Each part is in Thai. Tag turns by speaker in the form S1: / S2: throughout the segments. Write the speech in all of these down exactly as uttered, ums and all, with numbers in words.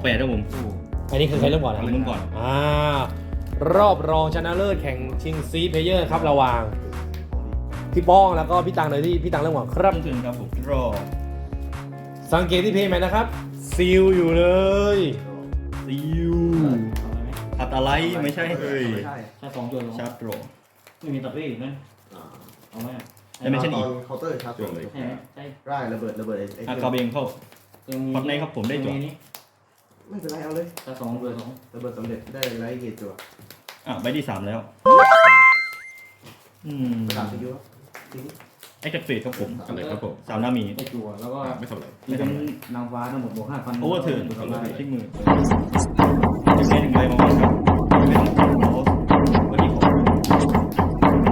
S1: แปดครับผม
S2: อันนี้คือใครเริ่มก่อนนะ
S1: เริ่มก่อน
S2: อ่ารอบรองชนะเลิศแข่งชิงซีเพลเยอร์ครับระหว่างพี่ป้องแล้วก็พี่ตังเลยที่พี่ตังเริ่มก่อนครับ
S1: เริ่มถึงครับผมรอ
S2: สังเกตที่เพย์แมนนะครับซีลอยู่เลย
S1: ซิวอัดอะไรไม่ใช่เฮ้ย
S3: ไม่ใช่
S4: ใช่สองจุด
S1: ชาร์จโร
S4: ไม่มีตัดเวทไหม
S3: อ่า
S4: เอาไหม
S1: แต่ไม่ใช่
S3: ตอนเคาน์เตอร์ชาร์จ
S1: จบเลย
S4: ใช่ไหมใช่
S3: ไร่ระเบิดระเบิดไอ้ไอ้
S1: อา
S3: เค
S1: คา
S3: รื่อง
S1: เบงเข้า ปักในครับผมได้จั่ว
S4: นี้
S3: ไม่เป็นไรเอาเลย
S4: ถ้าสองเบอร์สอง
S3: ระเบิดสำเร็จได้ไลท์เกตจั่ว
S1: อ่ะใบที่สามแล้วอืม
S3: ประกาศไปอยู่ครับทีนี้
S1: ไอ้จักรเฟดครับผม
S5: อะไรครับผม
S1: สามนามี
S4: ได้จั่วแล้วก็
S5: อ่าไม่ทำอะไร
S4: นี่เป็นนางฟ้าทั้งหมดบวกห้าพัน
S1: โอเวอร์เทิร์น
S4: ทำลาย
S1: ทิ้งมือจะแค่หนึ่งใบมาวันครับเป็นโรสวันนี้ผม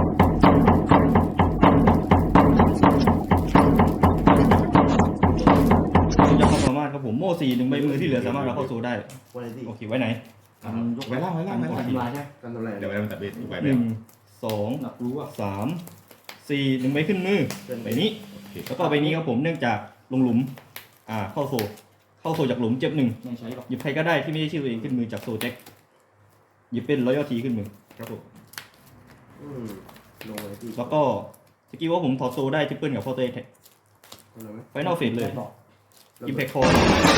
S1: จะเข้าสามารถครับผมโม่สี่หนึ่งใบมือที่เหลือสามารถเราเข้าโซได้
S3: วันนี้
S1: โอเคไว้ไหน
S4: การยก
S5: ไว้ล่างไว้ล่างไว้ล่าง
S4: ทำลายใช่
S3: การทำลาย
S5: เดี๋ยวไว้มันตัดเบ็ดอีกใบ
S1: ห
S5: เดีย
S1: นึ่
S5: ว
S1: งสอง
S4: หนักรู้ว่า
S1: สามสี่หนึ่งใบขึ้นมือใบนี้
S5: โอเค
S1: แล้วก็ใบนี้ครับผมเนื่องจากลงหลุมอ่าเข้าโซเข้าโซจากหลุมเจ็บหนึ่ง
S4: ไม่ใช้หรอก
S1: หยิบใครก็ได้ที่ไม่ใช่ชื่อตัวเองขึ้นมือจากโซแจ็คหยิบเป็นรอยัลทีขึ้นมือ
S5: ครับผม
S3: อืมลงเลยที่
S1: แล้วก็สกิลว่าผมถอดโซได้ทริปเปิลกับพอเตอร์แท็ก
S3: ทำอะไรไหม
S1: ไฟนอลเฟสเลย
S4: บอก
S1: อิมแพคคอร์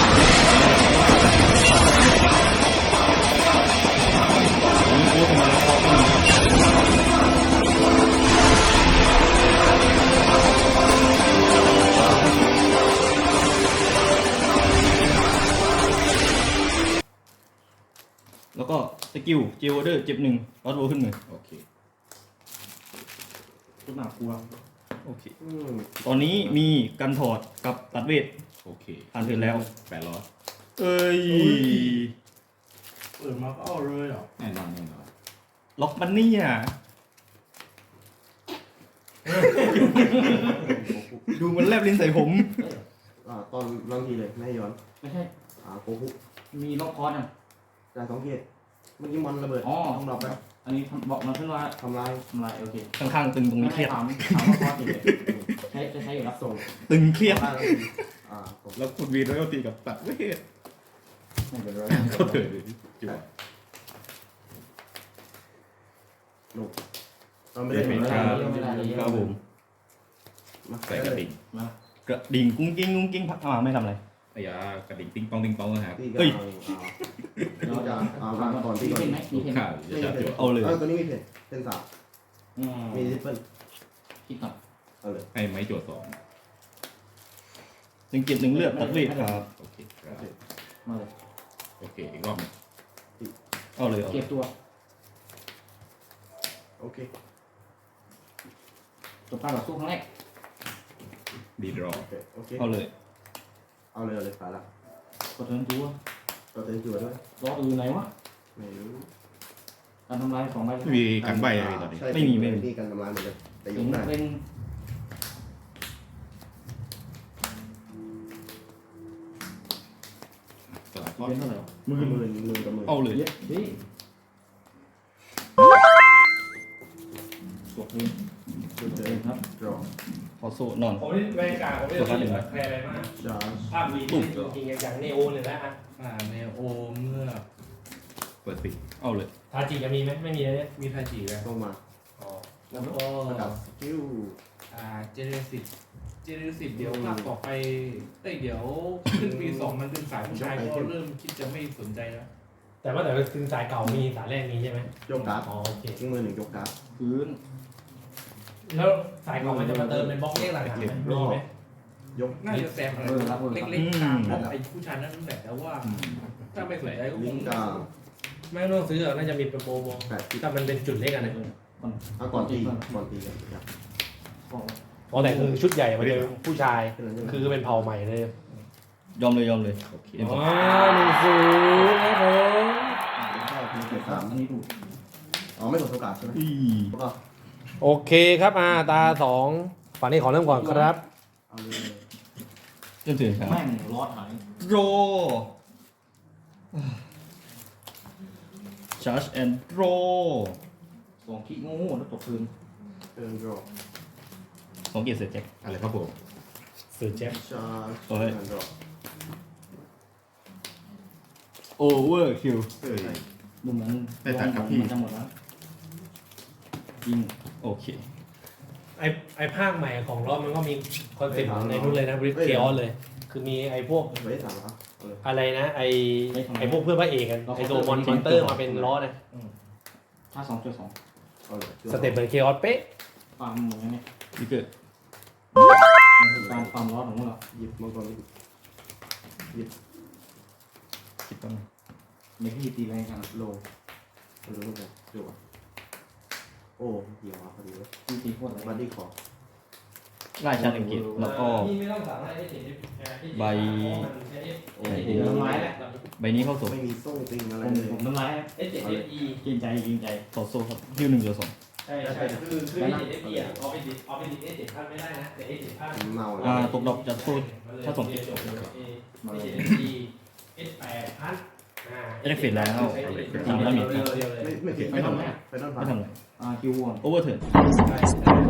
S1: นี่โอ้ทำไมแล้วก็ขึ้นมาแล้วก็สกิลเจลเดอร์เจ็บหนึ่งรอดโรขึ้นมือ
S5: โอเค
S4: ชุดหนักกลัว
S1: โอเค
S3: อืม
S1: ตอนนี้มีกันถอดกับตัดเวท
S5: โอเค
S1: ผ่านเทิร์นแล้ว
S5: แปดร้อย
S1: เอ้ย
S6: เปิดมาก็เอาเลยเหรอ
S5: แน่นอนแน่นอน
S1: ล็อกมันเนี่ยดูมันแลบลิ้นใส่ผม
S3: อ่าตอนลองทีเลยไม่ให้ย้อน
S4: ไม่ใช่
S3: อ่าโกคุ
S4: มีล็อกคอร์ดอ่ะ
S3: จ่ายสองเกตเมื่อกี้มอนระเบิด
S4: อ๋อ
S3: ต้องดรอปไป
S4: อันนี้บอกมาขึ้นว่า
S3: ทำลาย
S4: ทำลายโอเค
S1: ข้างๆตึงตรงนี้เครียด
S4: ถามถามว่าคอร์ดอยู่เลยใช้จะใช้อยู่รับ
S3: ส่ง
S1: ตึงเครียด
S3: ทำลายแล้วอ่าผม
S5: แล้วคุณวีรอยตีกับตัดเวท
S4: ไม่เป็นไร
S5: ก็เถิดเลยจั่ว
S3: ลงเราไม่ได้เห็น
S4: ไม่
S3: อะไร
S4: ได้
S3: เลย
S4: ไม่ได้ไม่ได้
S1: ครับผม
S3: มา
S5: ใส่กระดิ่ง
S4: มาก
S1: ระดิ่งกุ้งกิ้งกุ้งกิ้งพักมาไม่ทำอะไร
S5: ไอ้ยากระดิ่งติ้งปองติ้งปองนะฮะ
S3: ตีกั
S1: เฮ้ย
S3: เอาเอาเอาเอามาก่อนที่
S4: มี
S3: ก่อ
S4: เพ
S3: น
S4: นไหมมีเพนไหม
S5: ข่าวจะจับจั่ว
S1: เอาเลย
S3: เออตัวนี้มีเพนเพนสาม
S4: อืม
S3: มีทิปเปิล
S4: คิดหน่อย
S3: เอาเลย
S5: ให้ไม้จั่วสอง
S1: หนึ่งเก็บหนึ่งเลือดตัดเวทครับ
S5: โอเคครับ
S4: มาเลย
S5: โอเคอีกรอบหนึง
S1: เอาเลยเอา
S4: เก็บตัว
S3: โอเค
S4: จบการต่อสู้ครั้งแรก
S5: ดีดรอ
S3: โอเคโอเค
S1: เอาเลย
S3: เอาเลยเอาเลยผ่านละ
S4: กดเทิร์นตัว
S3: ตัวเต็มจั่วด้วย
S4: รออื่นไหนวะ
S3: ไม่รู้
S4: การทำลายสองใบ
S5: ไม่มีการใบอะไรตอนนี้
S3: ใช่
S1: ไม่มีไม่มี
S3: นี่การทำลายเหมือนกันแต่ย
S4: ถึ
S3: ก
S4: ง
S3: ได้
S4: เป็น
S5: สลับข้อ
S4: เป็นเท่าไหร่
S3: มือมือมือกับมือ
S1: เอาเลย
S4: เยอะดิจบเลย
S3: มือเจ
S4: เอ
S3: อง
S4: ครับ
S3: ดรอ
S1: พอโซนอน
S2: ผมนี่บรรยากาศผมนี่แบบแพรอะไรมาก
S3: จาร์
S2: ภาพวีจริงๆอย่างเนโอเลยนะฮะ
S6: อ่าเนโอเมื่อ
S5: เปิดปิด
S1: เอาเลย
S2: ทาจิจะมีไหมไม่มีนะเนี่ย
S6: มีทาจิแล้ว
S3: เข้ามา
S2: อ๋อ
S6: แล้วก็
S3: ประกาศสกิล
S6: อ่าเจเนสิตเจเนสิตเดี๋ยวภาคต่อไปเอ้ยเดี๋ยวขึ้นปีสองมันเป็นสายผู้ชายก็เริ่มคิดจะไม่สนใจแล้ว
S2: แต่ว่าแต่คือสายเก่ามีสายแรกมีใช่ไหม
S3: ยกการ์ด
S2: อ๋อโอเค
S3: ทิ้งมือหนึ่งยกการ์ด
S4: พื้น
S2: แล้วสายเก่ามันจะมาเติมเป็นบล็อกเลขหลังๆไหมมีไหม
S3: ยก
S6: น่าจะแซมอะไรเล็กๆตามพวกไอ้ผู้ชายนั่นแหละแต่ว่า ถ้าไม่สนใจก็ค
S3: ลิ
S6: ง
S3: งกา
S2: ไม่ต้องซื้อหรอกน่าจะมีเป็นโปรโม
S3: แปดสิบ
S2: ถ้ามันเป็นจุดเล็กอะนะ
S4: มัน
S3: เอาก่อนตีก่อนตีกันครับ
S4: บอก
S2: อ๋อแต่คือชุดใหญ่มันจะเป็นผู้ชาย
S3: แค่นั้นใช่ไหม
S2: คือเป็นเผ่าใหม่เลย
S1: ยอมเลยยอมเลย
S5: โอเค
S2: อ๋อหนึ่งศูนย์ครับผม
S3: ใช่มีเกียรติสาม
S4: อันนี้ถูก
S3: อ๋อไม่กดโอกาสใช่ไหม
S1: อี
S3: แล้วก็
S2: โอเคครับอ่าตาสองฝั่งนี้ขอเริ่มก่อนครับ
S3: เอาเลย
S1: จนถึงครับ
S4: แม่งรอดหาย
S1: โร charge and roll
S4: สองขี้งูแล้วตกพื้น
S3: เทิร์นดรอ
S1: สองเกียร์เสร็จแจ็ค
S5: อะไรครับผม
S2: สื่อแจ็ค
S3: ชาร์จ
S1: เฮ้ย
S3: เทิร์นดรอ
S5: โอเวอร์คิว
S3: เออใช่
S4: ดูเหมือน
S5: ได้ตัดกับพี่
S4: มันจะหมดแล้วยิง
S5: โอเค
S2: ไอไอภาคใหม่ของรอบมันก็มีคอนเซ็ปต์ในนู้นเลยนะบริเกออนเลย คือมีไอพวก
S3: ไว้สามอ่ะเออ
S2: อะไรนะ ไอไอพวกเพื่อนพระเอกกันไอตัวมอนมอนเตอร์มาเป็นล้อนะ
S4: ถ้าสองจุดสอง
S3: เอาเลย
S2: สเต็ปเหมือนเคออสเป๊ะ
S4: ฟาร์มเหมือนกันเนี่ย
S5: นี่เกิด
S4: มันคือการฟาร์มร้อนของพวกเรา
S3: หยิบมังกร
S5: คิดต้อง
S4: ไม่พี่ตีแรงกัน
S3: โลเอาเลยมังกรจั่วโอ้เหี้ยวมาพอดีเลย
S4: พี่ตีโคตรแรง
S3: บัดดี้ขอ
S5: ไล่ชาร์จอังกฤษแล้วก็
S2: นี่ไม่ต้องสามารถได้เห็น
S5: ใบ
S3: โอ้
S4: เดี๋ยวน้ำลายแล้ว
S5: ใบนี้เข้าโซ่
S3: ไม่มีโซ่ติงอะไร
S4: ผม
S3: เลย
S4: ผมน้ำลาย
S2: เอสเจ็ดเอฟอี
S4: เกรงใจเกรงใจ
S5: ต่อโซ่ครับฮิวหนึ่งจุดสอง
S2: ใช่ใช่คือคือเอสเจ็ดเอฟอีอ่ะเอาไปดิเอาไปดิเอสเจ็ดพันไม่ได้นะแต่เอสเจ็ดพัน
S3: เมาแล้ว
S5: อ่าตกดอกจากโซ่ ถ้าส่ง
S2: เอสเจ็ดเอฟอีเอสแปดพัน
S5: เอฟเฟกต์แล้วทำแล้วมี
S3: ไม่ไม่ผิดไม่ทำอะไรไปนอน
S5: ไม่ทำอะไร
S4: อ่าคิววอน
S5: โอเวอร์เทิร์น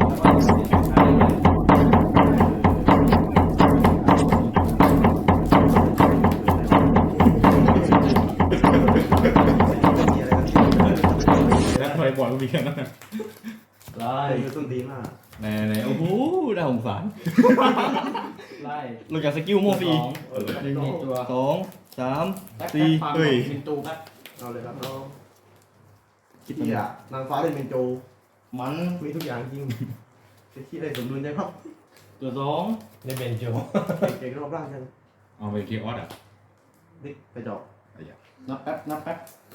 S5: แล้วทำไมบอลก็มีแค่นั้น
S4: ไล่
S3: ไอ้ต้นดีมาก
S5: แน่แน่โอ้โหน่าสงสาร
S4: ไล่
S5: ลงจากสกิลโมฟี
S4: สอง
S3: เออ
S4: หนึ่งนี่ตัว
S5: สองสาม
S4: แป๊บ
S5: สี่
S4: แป๊บฟาร์ม
S5: เฮ้ย
S4: เป็นตูแป๊บ
S3: เอาเลยครับน้องคิดที่อ่ะนางฟ้าเล่นเป็นโจ
S4: มัน
S3: มีทุกอย่างจริงคิดที่ได้สมดุลใจครับ
S4: ตัวสอง
S2: ในเบนโจ
S3: เก่งรอบร่างกัน
S5: เอาไปคีออสอ่ะ
S3: ดิไปจอก
S4: นับแป๊บนับแป๊บ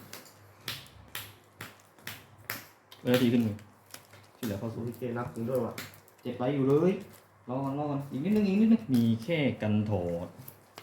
S5: เวลาดีขึ้นหนึ่งที่เหลือเข้า
S3: สู
S5: สู่
S3: ที่เกนับถึงด้วยว่ะ
S4: เจ็บไรอยู่เลยรอก่อนรอก่อนอีกนิดนึงอีกนิดนึง
S5: มีแค่กันถอด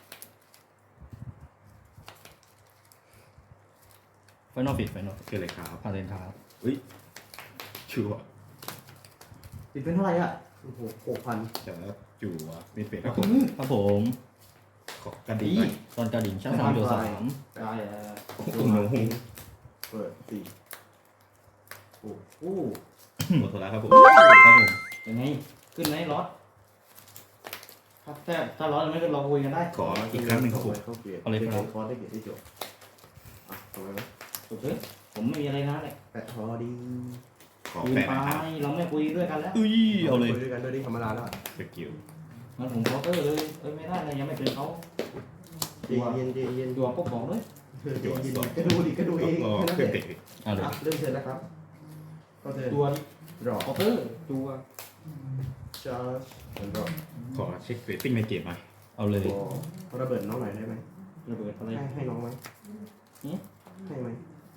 S5: ไฟนอลฟิตไฟนอลคืออะไรครับพาเลนครับอุ้ยชัวร์
S3: ติดเป็นเท่าไหร่อ่ะโอ้โหหกพัน
S5: จะจั่วมีเฟสครับผมครับผม ขอกันดี
S4: ดี
S5: หน่อยตอนกระดิ่งชั้นสามจุดสาม
S4: ได้แล้ว
S5: ตุ้งหนูหง
S3: เปิดสี่โอ้โห
S5: หมดตัวแล้วครับผมครับผม
S4: ยังไงขึ้นไหมรอดถ้าแต่ถ้ารอดไม่ขึ้นเราคุยกันได้
S5: ขออีกครั้งหนึ่งครับผม
S3: เข้าเกียร์
S5: เอาเลยครับ
S3: คอร์สได้เกียร์ได้จบอ่ะทำไมไหม
S4: จบเลยผมไม่มีอะไรนะเลย
S3: แปดทอดี
S5: ขอ
S4: ยืน
S5: แปะ
S4: ไป
S5: นะครับ
S4: เราไม่คุยด้วยกันแล้ว
S5: อุ้ยเอาเลย
S3: คุยด้วยกันด้วยดิธรรมดาแล้ว
S5: สกิล
S4: งั้นผมเคาน์เตอร์เลยเอ้ยไม่ได้เลยยังไม่เป็นเขา
S3: เย็นเย็นเย็นเย็น
S4: ตัวพวกบอกเลย
S3: เย็นเย็นก็ดูดิก็ดูเอง
S5: ก็
S3: แค่นั้น
S5: เค
S3: แห
S5: รื่อง
S3: ละ
S5: เตะเอาเลย
S3: อ่ะเริ่มเชิญแล้วครับ ก็เชิญ
S4: ตัว
S3: รอ
S4: เคาน์เตอร์ตัว
S3: ชาร์จแล้วก็
S5: ขอเช็คเรตติ้งในเกมหน่อยเอาเลย
S3: ขอระเบิดน้องหน่อยได้ไหม
S4: ระเบิดอะไร
S3: ให้ให้น้องไหมให้ไหม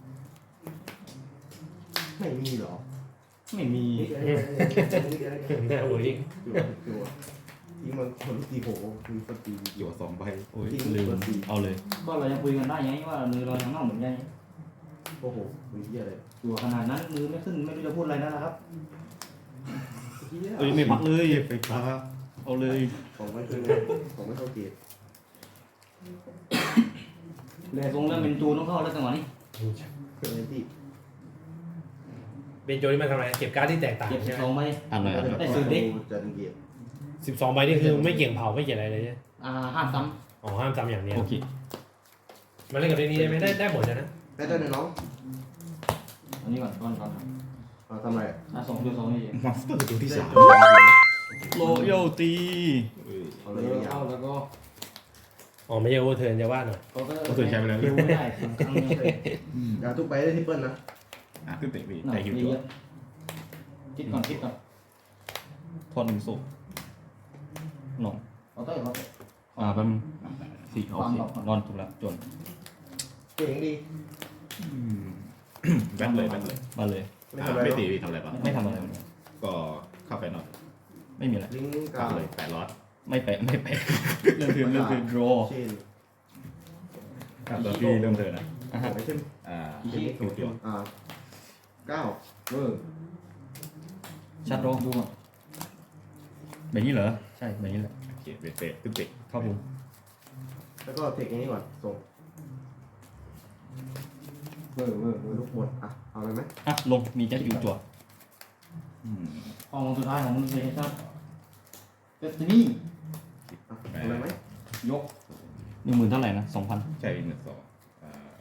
S3: ไม่มีหรอ
S4: ไม่มี
S3: นี่ก็ได้นี่ก็ได้นี่ก็ได้
S2: แน่โอ้ย
S3: จั่วจั่วยิงมันคนตีโหมีสตี
S5: หยวสองใบโอ้ย
S3: จริง
S5: ลืม
S3: เบอร์สี่
S5: เอาเลย
S4: ก็เรายังคุยกันได้ไงว่ามือเรายังเน่าเหมือนกัน
S3: โอ้โหมีเหี้ยอะไร
S4: ตัวขนาดนั้นมือไม่ขึ้นไม่รู้จะพูดอะไรแล้วนะครับ
S3: เหี้ย
S5: เอ้ยไม่พักเลยไฟฟ้าเอาเลย
S3: ของไม่ขึ้นของไม่เข้าเกียร์
S4: เลยทรงแล้วเป็นตูต้องเข้าแล้วจังหวะนี้
S3: เครื่องอะไรที่
S2: เบนโจนี่มันทำอะไรเก็บการ์ดที่แตกต่าง
S4: เก็บสิ
S2: ใช่
S4: บ
S2: ไหม
S4: สองใบ
S5: อ่านหน่อยอ่านหน่อย
S4: ได้ซื้อดิ
S3: จะเกียร์
S2: สิบสองใบนี่คือไม่เกี่ยงเผาไม่เกี่ยงอะไรเลยใช่ไหม
S4: อ่าห้ามซ้
S2: อ๋อห้ามจำอย่างเนี้ย
S5: โอเค
S2: มันเล่นกับเรื่องนี้ได้ไหมได้ได้หมดเลยนะ
S3: แม่ได้เลยน้อง
S4: ำอันนี้ก่อนก่อนก่อน
S3: มาทำอะไร
S4: อ่าสองตัวสองนี่
S5: มอนสเตอร์ตัวที่สาม
S3: โล
S5: โรยัลตี
S3: เอา
S4: แล้
S3: เล
S4: วย
S3: ยา
S4: เข้าว แล้วก็
S2: อ๋อไม่ใช่โอเวอร์เทิร์นจะว่าหน่อย
S4: เขาก็คิวไม่ได้สองครั้งเนี่ย
S3: อย่าทุกไปได้ที่เปิ้ลนะ
S5: อ่ะขึ้นเตะมี
S4: หนั
S5: แต่
S4: ก
S5: ฮิว
S4: เย
S5: จั่ว
S4: อะคิดก่อนคิดก่อน
S5: ทอนหนึ่งโซ่นอน
S4: เขาเตอร์เขาเตอร์
S5: อ่าแป๊บนึงสี่โอเคนอนถูกแล้วจน
S3: เก่งดี
S5: แบนเลยแบนเลยมาเลย
S3: ไม่
S5: อ่า
S3: ทำอะไร
S5: ไม่
S3: หรอก
S5: ตีทำอะไรบ้างไม่ทำอะไรก็เข้าไปนอนไม่มีอะไร
S3: ลิงก์
S5: ก
S3: กา
S5: ลางเลยแปดล็อตไม่แปะไม่แปะเริ่มเทิร์นเริ่มเทิร์น draw
S3: เชน
S5: ครับตอนที่เริ่มเทิร์นนะ
S3: อ่าไอเทม
S5: อ่า
S3: คิ
S5: คิวจั่ว
S3: อ่าเก้า
S4: เออ
S5: ชัดโร
S4: ดูอ่ะ
S5: แบบนี้เหรอใช่แบบนี้แหละโอเคเบสเบสขึ้นเตะครับผม
S3: แล้วก็เทคอย่างนี้ก่อนส่ง
S4: เออเออเออ
S3: ลูกหมดอ่ะเอาอะไรไหม
S5: อ่ะลงมีแจ็คคิวจั่วอืม
S4: ห้องสุดท้ายของมันเลยครับเดสตินี่
S3: อ่ะเอาอะไรไหม
S4: ยก
S5: หนึ่งหมื่นเท่าไหร่นะสองพันใช่หนึ่งสองอ่า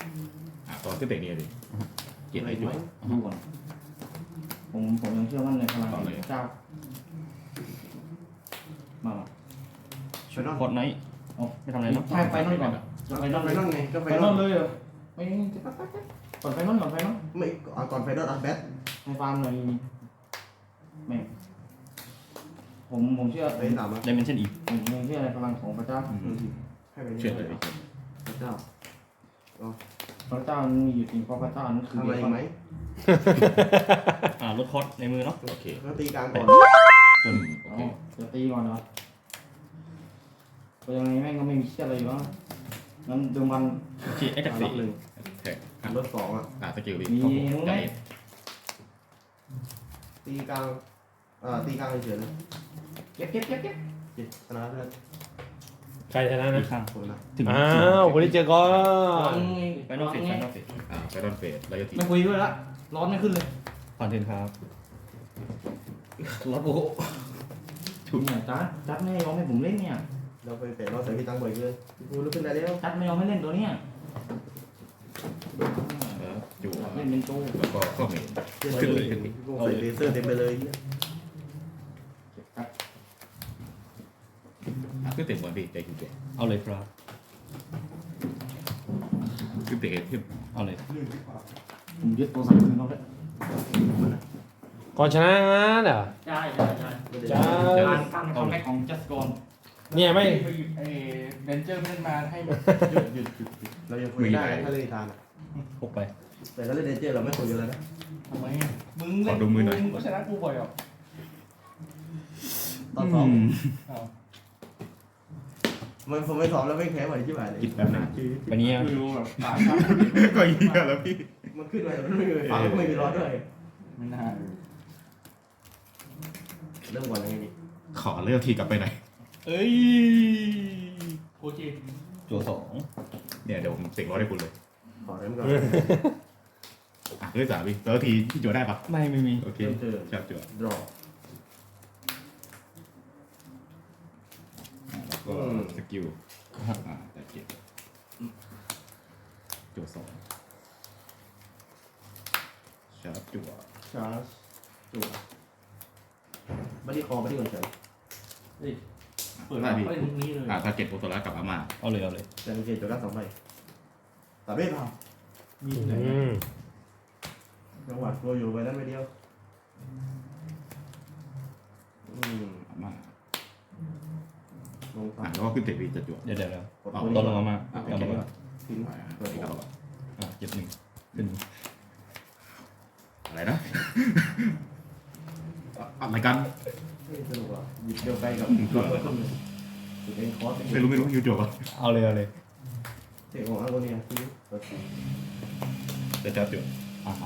S5: อ่ะตอนขึ้นเตะเนี่ยดิเกียรติไอ้จุ๊บ
S4: ดูก่อนผมผมยังเชื่อมั่นในพลังของพระเจ้ามา
S3: ไปนอน
S5: กดไนท์อ๋อไม่ทำอะไรเนาะ
S4: ใช่ไปนอนก่อนไป
S3: ไป
S4: น
S3: น
S4: อ
S3: อน น
S4: เล
S3: ไป
S4: ย
S3: นอนไงก็ไป
S4: ไป
S3: น
S4: น
S3: อ
S4: อน นเลยเหรอไม่ก่อนไปนอนก่อนไปนอน
S3: ไม่เอาก่อนไฟนอลอัพแบท
S4: ให้ฟาร์มหน่อยไม่ผมผมเชื่อ
S3: ไปสามอ่ะ
S5: ไดเมนชั่นอีก
S4: ผมยังเชื่อในพลังของพระเจ้า
S3: ให้ไป
S5: เชื่อเลย
S3: พระเจ้า
S4: พระเจ้ามีอยู่จริงเพราะพระเจ้านั้นคือ
S3: ทำอะไรไหม
S5: อ่าลดคอสในมือเนาะโอเค
S3: ก็ตีกลางก่อน
S5: จนโอ
S4: อ๋อ
S5: เค
S4: จะตีก่อนเหรอยังไงแม่งก็ไม่มีเชื่ออะไรอยู่แล้วงั้นเดิมวัน
S5: โอเคไอ้จากสี่
S3: หนึ่ง
S5: แท็กอ่ะ
S3: รถสองอ่ะ
S5: อ่าสกิลดิ
S4: มี
S5: เข้าผม
S4: รู้ไหม
S5: ได้
S3: ตีกลางอ่าตีกลางเฉยๆนะ
S4: เก็บเก็บเก็บเก็บ
S3: ชนะเพื่อน
S2: ใครชนะ
S5: อี
S2: นะ
S5: กข้าง
S3: คนนะ
S5: ถึง
S2: อ้าวคนที่เจอก่อน
S5: ไปนอกเฟสไปนอกเฟสอ่าไปนอกเฟสแล้วก็ที
S4: ไม่คุยด้วยละร้อนไม่ขึ้นเลย
S5: ผ่านเทนครับรถโอ้
S4: ถูกเนี่ยจัดจัดไม่ยอมให้ผมเล่นเนี่ย
S3: เราไปเตะรอบใส่พี่ตังบ่อยเลยกูลุกขึ้นได้แล้ว
S4: จัดไม่ยอมให้เล่นตัวเนี้ย
S5: แล้วจู่
S4: เล่นเป็นตู้
S5: แล้วก็เข้าเมน
S3: ขึ้นเลยใส่เลเซอร์เต็มไปเลย
S5: ขึ้นเตะบอลพี่ใจคุณตัวเอาเลยครับขึ้นเตะขึ้นเอาเลย
S4: ผมยึดตัวสั่งคืนเขาเลย
S2: ก่อนชนะงั้นเหรอ
S4: ใช่ใช่ใช่
S2: จ้า
S4: การการคัมแบ็กของจัสกอน
S2: เนี่ยไม่
S6: เอเดนเจอร์ไม่ได้มาให้
S3: หยุดหยุดหยุดเรายังคุยได้ถ้าเล่นทานอ่ะ
S5: พกไป
S3: แต่ถ้าเล่นเดนเจอร์เราไม่คุยกันแล้วนะ
S6: ทำไมมึงเล่นมึงก็ชนะกูบ่อยอ่ะ
S3: ตอนสอง
S6: อ้าว
S3: มันผมไม่สอบแล้วไม่แพ้ไหวที่ไหนเลย
S5: กินแป๊บนึงวันนี้
S6: คือแบบตาช้า
S5: ก็เหี้ยแล้วพี่
S3: มันขึ้นไปมันไม่มีฝาก็ไม่มีร้อนด้วย
S6: ไม่น่า
S3: เริ่มก่อนเลยนี่
S5: ขอเลือกทีกลับไปไหนเอ้ย
S6: โคจิ
S5: ตัวสองเนี่ยเดี๋ยวผมเสกร้อยให้คุณเลย
S3: ขอเริ่มก่อน
S5: อ่ะเลือกสามพี่แล้วทีที่จั่วได้ปะไม่ไม่มีโอเค
S3: เริ่มเจอ
S5: จับจั่ว
S3: ดรอ
S5: แล้วก็สกิลอ่าแต่เก็บจั่วสองชาร์จจั่ว
S3: ชาร์จจั่วบัดดี้คอบัดดี้ก่อนเฉย
S6: เปิดมาเล่นนี้เลย
S5: อ่าทาร์เก็ตโอโตระกับอาม่าเอาเลยเอาเลย
S3: แต่มีเกจจั่วได้สองใบแต่ไม่เปล่า
S6: มีที่ไหน
S2: อืม
S3: จังหวะตัวอยู่ไว้แล้วไม่เดียวอืม
S5: อาม่า
S3: ลง
S5: อ่า
S3: ฝั่ง
S5: แล้วก็ขึ้นเตะวีจะจั่วเดี๋ยวเดี๋ยว
S3: กด
S5: เอา
S3: ตัว
S5: ต้นล
S3: นี้
S5: งอาม่า
S3: อ่ะ
S5: เอา
S3: เก็บ
S5: ลง
S3: ไว้
S5: มา
S3: ทิ้ง
S5: อ่า
S3: ตัวนี้
S5: เอาอ่าเจ็บหนึ่งขึ้นอะไรนะอะไรกัน
S3: สนุกอ่ะหยิบเดียวไปกับรถขึ้นเลยหยิบเองคอร์ส
S5: ไม่รู้ไม่รู้ยูจั่วเอาเลยเอาเลย
S3: เทคของอาโกเนียทิ้งเปิดสี
S5: จะจับจั่วอ่าฮะ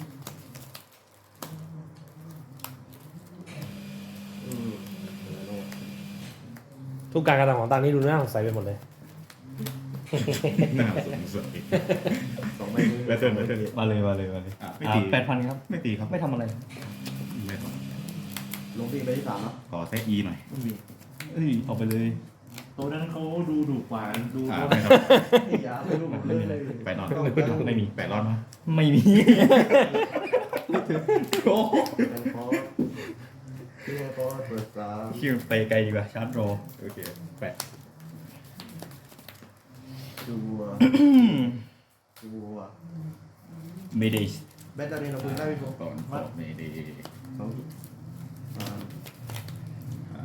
S3: อืมเออโน่
S2: ทุกการกระทำของตานี้ดูน่าสงสัยไปหมดเลย
S5: น่าสงสัย
S3: สองใบมือ
S5: แบตเทิลแบตเทิล
S7: มาเลยมาเลยมาเลย
S5: อ่ะไม่ตี
S7: แปดพันครับ
S5: ไม่ตีครับ
S7: ไม่ทำอะไร
S5: ไม่ท
S3: ลงที่ใบที่สามแล้ว
S5: ำขอแทะอีหน่อย
S3: ไม่มี
S7: เอ้ยออกไปเลย
S6: ตัวนั้นเขาดูดุกว่าดู
S5: อ่า
S6: เขา
S5: ไม่ครับ
S3: ไม่ยาไม่รู้ผมเลย
S5: แปดรอดไม่มีแปดรอดมั้ย
S7: ไม่มี โอ้
S3: เป็นคอร์สที่ให้คอร์สเปิดสาม
S7: คิวไปไกลดีกว่าชาร์จรอ
S5: โอเคแปด
S3: จัวจัว
S7: เมเดส
S3: แบตเตอรี่เราคุยได้ไหมผม
S5: ก่อนสอบเมดี
S3: สองทีสาม
S5: อ่า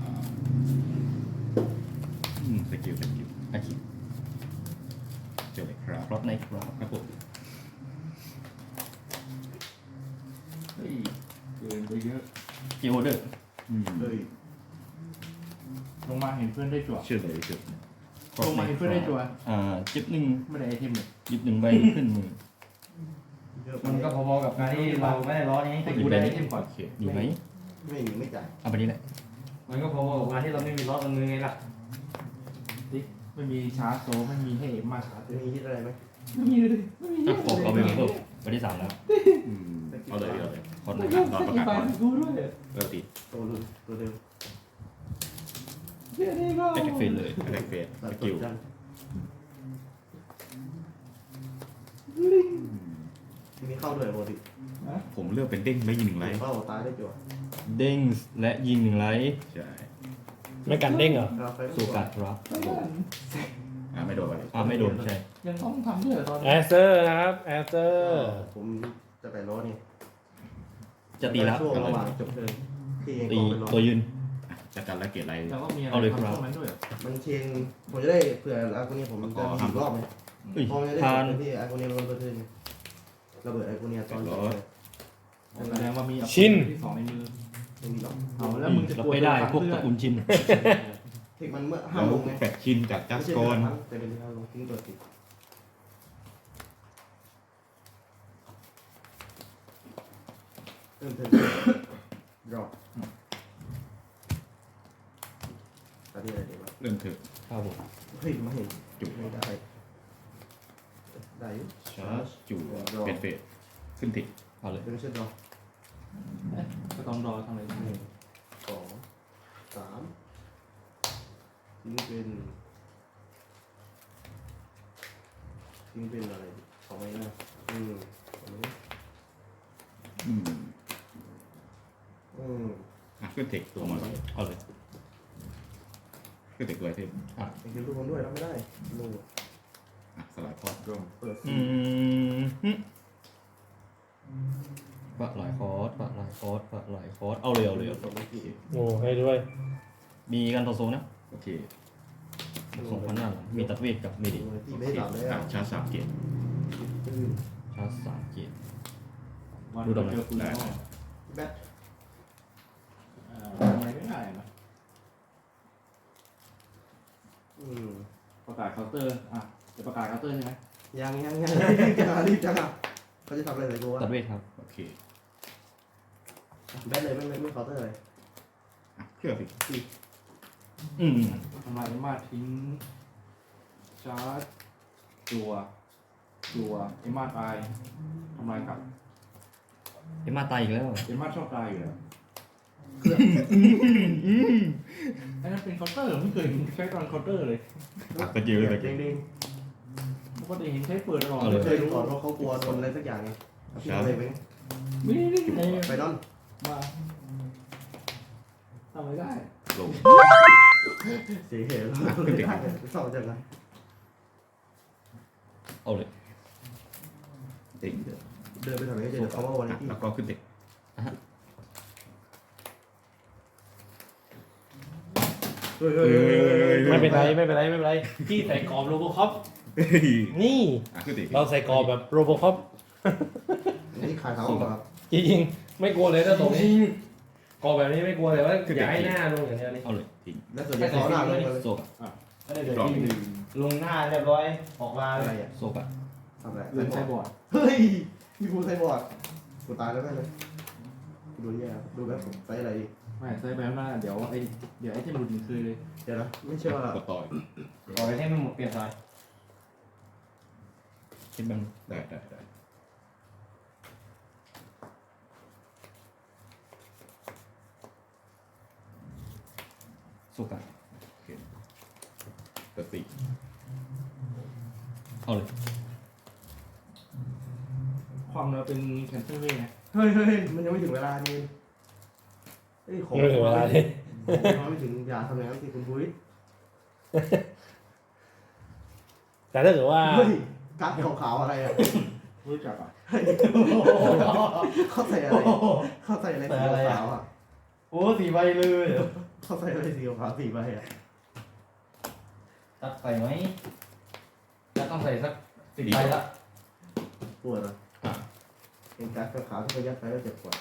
S5: อืมสกิลสกิล
S7: อาคิ
S5: เจอเลยครับ
S7: รถในครับ
S5: ครับผม
S6: เฮ้ยเกินไปเยอะ
S7: เกียร์โอเดอร์
S5: อืม
S3: เลย
S6: ลงมาเห็นเพื่อนได้จั่ว
S5: เชื่อเลยเชื่อ
S6: ลงมาเห็นเพื่อนได้จั่ว
S7: อ่าจิบหนึ่ง
S6: ไม่ได้ไอเทมเลย
S7: จิบหนึ่งใบขึ้นมือ
S3: เยอะ
S4: มันก็พอๆกับการที่เราไม่ได้ร้อนนี้
S6: ให้กูได้ไอเทมก่อน
S5: โอเค
S7: มีไหม
S3: ไม่มีไม่จ่าย
S7: เอาไปนี้แหละ
S4: มันก็พอๆกับการที่เราไม่มีร้อนบนมือไงล่ะ
S6: ไม่มีชาร์จโซไม่มีให้มาชาร์จ
S3: จะมีฮิตอะไรไหม
S6: ไม่มีเลยไม่มี
S7: อ่ะผมเอาไปเพิ่มไปที่สามแล้ว
S5: อืมเอาเลยเอาเลย
S7: คอนไหน
S5: ตอนประกาศ
S6: ไป
S5: ก่อน
S6: กูด้วย
S5: เริ่มตี
S3: ตัวรุ่นตัวเดิม
S6: เดี๋ยวนี้ก็
S7: แอคทีฟเฟนเลย
S5: แอตแทกเฟส
S3: ตั
S5: ส
S3: ด
S5: กิล
S3: จันมีเข้าด้วยปกติ
S5: ผมเลือกเป็นเด้งไม่ยิงหนึ่งไลท์
S3: เข้าตายได้จั่ว
S7: เด้งและยิงหนึ่งไลท์
S5: ใช่
S2: ไม่กันเด้งเหรอ
S3: เราไป
S7: โซกัดรับ
S5: อ่าไม่โดนไป
S7: อ่าไม่โดนใช่
S6: ยังต้องทำด้วยเหรอตอน
S2: แอ
S6: นี้
S2: สเซอร์นะครับแอสเซอร์
S3: ผมจะไปล้อนี่
S7: จะตีแล้ว
S3: ช่วงระหว่างจบเทิร์นที่เอง
S7: ตี
S3: ก็ไปล้อ
S7: ตัวยืน
S5: จัดการและเกตไร
S6: แต่ว่ามีอะไร
S7: เอาเลย
S6: ทำ
S7: ครับ
S6: ช่วงนั้นด้วยเหรอ
S3: มันเชนผมจะได้เผื่ออากูเนียผมจะมีอีกรอบไหม
S7: เฮ้ย
S3: พอมันจะได้
S7: ทาน
S3: จบที่อากูเนียมันเทิร์นระเบิดอากูเนียตอนจบเลย
S6: แสดงว่ามีอัพ
S2: ชิน
S6: ที่สองในมือ
S3: ไม่มีหรอก
S6: เอาแล้วมึงจะ
S7: รับ
S6: กลัว
S7: ไม่ได้
S6: โน
S7: พวก
S6: เพื่
S7: ต
S6: อ
S7: ระกูลชิน
S3: เทคมันเมื่อห้า
S5: แล้ว
S3: ลงไง
S5: แปดชินจากจัสกอน
S3: แต่เป็นห้าลงทิ้งตัวติดเริ่มเทิร์นดรอปตอนนี้อะไรดีวะ
S5: เริ่มเถอะ
S7: ครับผม
S3: เฮ้ยมาเห็น
S5: จุ่ม
S3: ไม่ได้ได้อยู่
S5: ชาร์จจู่เป็นเฟสขึ้นติด
S7: เอาเลย
S3: เป็นเชือกดรอป
S6: ก็ต้องรอทำอะไร
S3: หนึ่งสองสามทิ้งเป็นทิ้งเป็นอะไรดีสองไม้หน้าอืมสองไม้
S5: อืม
S3: อืม
S5: อ่ะขึ้นเทคตัวมา
S7: เอาเลย
S5: ขึ้นเทคตัวไอเทม
S3: ไอ้คิวทุกคนด้วยรับไม่ได้ลูก
S5: อ่ะสลายคอร์ด
S3: รวมเปิด
S7: อืมหึปะหลายคอร์สปะหลายคอร์สปะหลายคอร์สเอาเลยเอาเลยเอา
S3: สองไม้กี่
S2: โอ้ให้ด้วย
S7: มีกันต่อโซนะ
S5: โอเค
S7: สองพันหน้าหลังมีตัดเวทกับมีดิ
S3: ที่
S5: โอ
S3: ไม่
S5: เค
S3: ได้ดับเลย
S5: อ่ะ
S3: อ่ะ
S5: ชาร์จสามเกต
S3: อืม
S7: ชาร์จสามเกียร์
S6: วัน
S7: ดูดอกไม้
S6: เจอคุณ
S5: ได้
S6: พ่อ
S3: แบท
S6: เอ่อทำอะไรไม่ได้นะ
S3: อืม
S6: ประกาศเคาน์เตอร์อ่ะจะประกาศเคาน์เตอร์ใช่ไหม
S3: ยังยังยังรีบจังอ่ะรีบจังอ่ะเขาจะทำอะไรใส่กูวะ
S7: ตัดเวทครับ
S5: โอเค
S3: แบทเลยไม่ไม่ไม่เคาน์เตอร์เลย
S5: อ่ะเครื่องสิ
S7: อืม
S6: ทำลายเอ็มมาทิ้งชาร์จจัวจัวเอ็มมาตายทำลายกลับ
S7: เอ็มมาตายอีกแล้ว
S6: เอ็มมาชอบตายอยู่แล้วไอ้นั่นเป็นเคาน์เตอร์ไม่เคยใช้ตอนเคาน์เตอร์เลย
S5: อ่ะตะกี้เลยตะ
S3: เด้
S5: กี้
S3: งเด้ง
S6: ปกติเห็นใช้เปิดตลอด
S7: เอา
S6: เล
S7: เลย
S3: เคยรู้ก่อนว่าเขากลัวโดนอะไรสักอย่างไงที่อะไรไป
S6: ไม่ได้ไม่ได้
S3: ไปนอน
S6: มาทำไม่ได้
S5: ลง
S3: เสียเหตุเศร้าจังเลย
S7: เอาเลย
S5: ติง
S3: เดินไปทางไหนเจอเขาว่าวัน
S5: อ่ะ
S3: นี้
S5: แล้วก็ขึ้นเทค
S3: เฮ้ยเฮ้ย
S2: ไม่เป็นไรไม่เป็นไรไม่เป็นไรพี่ใส่กรอบโรโบคอป
S5: เฮ้ย
S2: นี่
S5: อ่ะขึ้นเทค
S2: เราใส่กรอบแบบโรโบคอป
S3: นี่ขายเขาครับ
S2: จริงๆไม่กลัวเลยถ้าตรงนี้กรอบแบบนี้ไม่กลัวเลยว่าอย่าให้หน้าลงอย่างเดียวนี่
S7: เอาเลย
S5: ทิ้ง
S3: แล้วส่วนใหญ่เขาหน้าลงเลย
S7: โซกะ
S5: รอบหนึ่ง
S4: ลงหน้าเรียบร้อยออกมา
S3: อะ
S4: เล
S3: ไร
S4: ย
S3: อ่ะ
S7: โซกะ
S3: ทำอะไร
S6: เล่นใช้บอร์ด
S3: เฮ้ยมีกูใส่บอร์ดกูตายแล้วแม่เลยดูแย่ดูแบบใส่อะไรดี
S6: ไม่ใช้ไปข้างหน้าเดี๋ยวไอเดี๋ยวไอเทมหลุดมันคือเลย
S3: เดี๋ยวนะไม่เชื่อก
S5: ดต่อย
S4: ออกไปให้มันหมดเปลี่ยนสาย
S7: คิดมัน
S5: ได้ได้ได้
S7: โซกะ
S5: เปิดสี่
S7: เอาเลย
S6: ความเราเป็นแคนเซิลเว้ยไง
S3: เฮ้ยเฮ้ยมันยังไม่ถึงเวลานี่เฮ้ยของ
S2: ไม่ถึงเวลาที่
S3: ของไม่ถึงอย่าทำอย่างนั้นสิคุณพุ้ย
S2: แต่ถ้าเกิดว่า
S3: เฮ้ยกั๊กขาวๆอะไรอ่ะ
S6: รู้จักอ่ะ
S3: เขาใส่อะไรเขาใส่อะไรสีขาวอ่ะ
S4: โอ้สี่ใบเลย
S3: เขาใส่อะไรสีขาวสีใบอ่ะ
S4: ตัดใส่ไหมจะต้องใส่สักสิบใบละ
S3: ปวดอ่ะเห็นกั๊กขาวๆที่เขายัดไปแล้วเจ็บปวด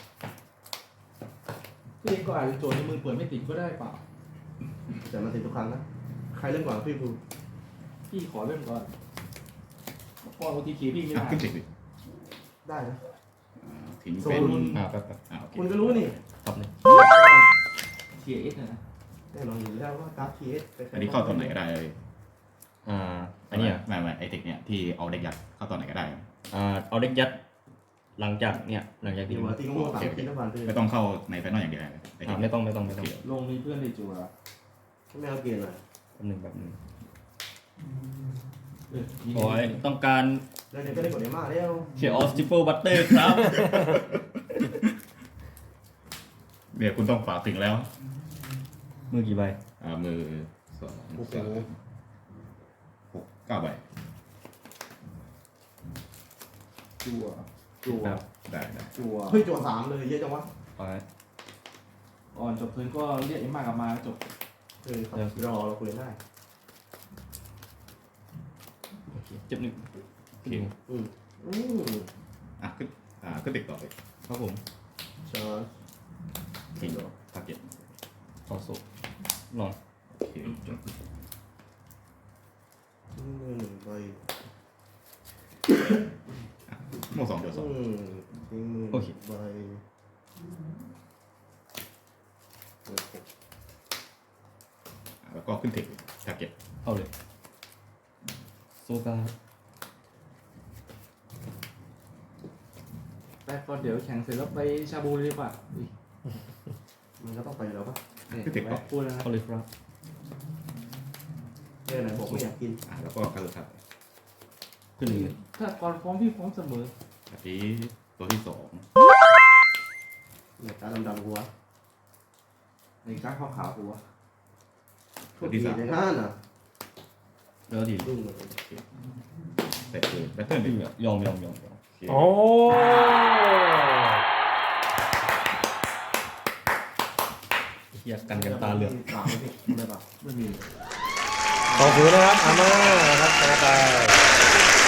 S6: พี่ก็อาจจะโจทย์ในมือเปิดไม่ติดก็ได้เปล่า
S3: แต่มันติดทุกครั้งนะใครเล่นก่อนพี่ภู
S6: พี่ขอเริ่มก่อนพอโอทีเคพี่ไม่
S5: อ่ะ
S6: ได้
S5: ขึ้นเทคดิ
S3: ได้นะ
S5: อ่าทิ้งเป็น
S7: อ่าแป๊บแป๊บ
S5: อ่าโอเค
S3: คุณก็รู้นี่
S7: ทับเลย
S6: เทียเอสนะ
S3: แน่นอนอยู่แล้วว่ากั๊กทีเอส
S5: อันนี้เข้าตอนไหนก็ได้เลย
S7: อ่าอันเนี้ย
S5: ไม่ไม่ไอเทคเนี่ยที่เอาเด็กยัดเข้าตอนไหนก็ได้
S7: อ่าเอาเด็กยัด หลังจากเนี่ยหลังจาก
S3: ตี
S7: ที่
S3: หัว
S7: ว่า
S3: ตีงูสามทีน้ำมันเลย
S5: ไม่ต้องเข้าในไฟนอลอย่างเดียวไอเท
S7: อ่า
S5: ค
S7: ไม่ต้องไม่ต้องไม่ต้อง
S6: ลงมีเพื่อนในจัว
S3: ไม่เอาเกียร์หน่อย
S7: แป๊บหนึ่งแบบหนึ่งโอ้ยต้องการ
S3: แล้วเนี่ยก็ได้กดได้มากแล้ว
S7: เชียร์ออสติเปิลบัตเตอร์ครับ
S5: เนี่ยคุณต้องฝากถึงแล้ว
S7: มือกี่ใบ
S5: อ่ามือสอง
S3: โอ้โห
S5: สามหกเก้าใบ
S3: จั่วจั่ว
S5: ได้ได้
S3: จั่วเฮ้ยจั่วสามเลยเยอะจังวะ
S7: ไป
S4: ก่อนจบเทิร์นก็เรียกเอ็มมากลับมาจบ
S3: เออครับรอเราคุยกันได้
S7: โอเคเจ็บหนึ่ง
S5: โอเค
S3: อืมอืม
S5: อ่ะขึ้นอ่าขึ้นติดต่อเลย
S7: ครับผม
S3: ชาร์จ
S5: ทิ้งทาร์เก็ต
S7: ขอสุนอน
S5: โอเคจบ
S3: ทิ้งมือหนึ่งใบ
S5: โม่สองเดียวสอง
S3: อืมทิ้งมือหนึ่งใบเปิดหก
S5: อ่ะแล้วก็ขึ้นเทคทาร์เก็ต
S7: เอาเลยโซกา
S4: ไปก่อนเดี๋ยวแข่งเสร็จแล้วไปชาบูเลยดีกว่าอุ๊ย
S3: มันก็ต้องไปแล้วปะ
S4: เนี่ย
S5: ขึ้นเทคต่อ
S4: พูดแล้วนะ
S7: เอาเลยครับ
S3: เรื่องไหนบอกไม่อยากกิน
S5: อ่ะแล้วก็การทัด
S7: ขึ้นหนึ่งเลย
S4: ถ้าก่อนพร้อมพี่พร้อมเสมอ
S5: อันนี้ตัวที่สอง
S3: เนี่ยตาดำๆกูวะ
S4: ในการขาวๆกูวะ
S5: ตัวที่สาม
S3: ในห้านอ่ะ
S7: แล้วดี
S3: รุ่งเลย
S5: แต่คือแบตเทิลหนึ่ง
S7: ยอมยอมยอมยอม
S5: โอเค
S2: โอ้
S7: เฮียกันกันตาเหลือก
S3: สามไม่ผิดได้ปะ
S4: ไม่มี
S2: ขอบคุณนะครับอาม่านะครับต่อไป